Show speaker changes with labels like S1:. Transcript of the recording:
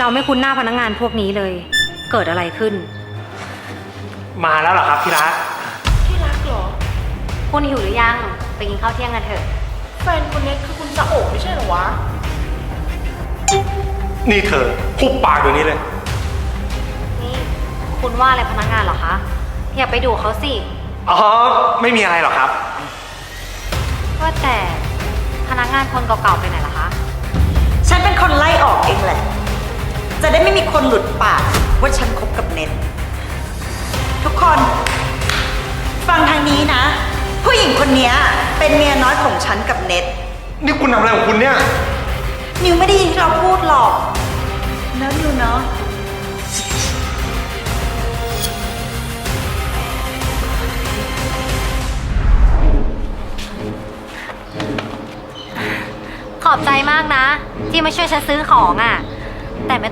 S1: เราไม่คุ้นหน้าพนักงานพวกนี้เลย เกิดอะไรขึ้น
S2: มาแล้วเหรอครับที่รัก
S3: ที่รักเหรอ
S1: คุณหิวหรือยัง ไปกินข้าวเที่ยงกันเถอะ
S3: แฟนคนนี้คือคุณจะโอบไม่ใช่เหรอวะ
S2: นี่เธอคุบปากเดี๋ยวนี้เลย
S1: นี่คุณว่าอะไรพนักงานเหรอคะ อย่าไปดูเขาสิ
S2: อ๋อ ไม่มีอะไรหรอกครับ
S1: ว่าแต่พนักงานคนเก่าๆไปไหนล่ะคะ
S4: ฉันเป็นคนไล่ออกเองแหละ จะได้ไม่มีคนหลุดปากว่าฉันคบกับเน็ต ทุกคน ฟังทางนี้นะ ผู้หญิงคนนี้เป็นเมียน้อยของฉันกับเน็ต
S2: นี่คุณทำอะไรของคุณเนี่ย
S4: นิวไม่ได้ยินที่เราพูดหรอกแล้วนิวเนาะ
S1: ขอบใจมากนะ ที่มาช่วยฉันซื้อของอ่ะ แต่ไม่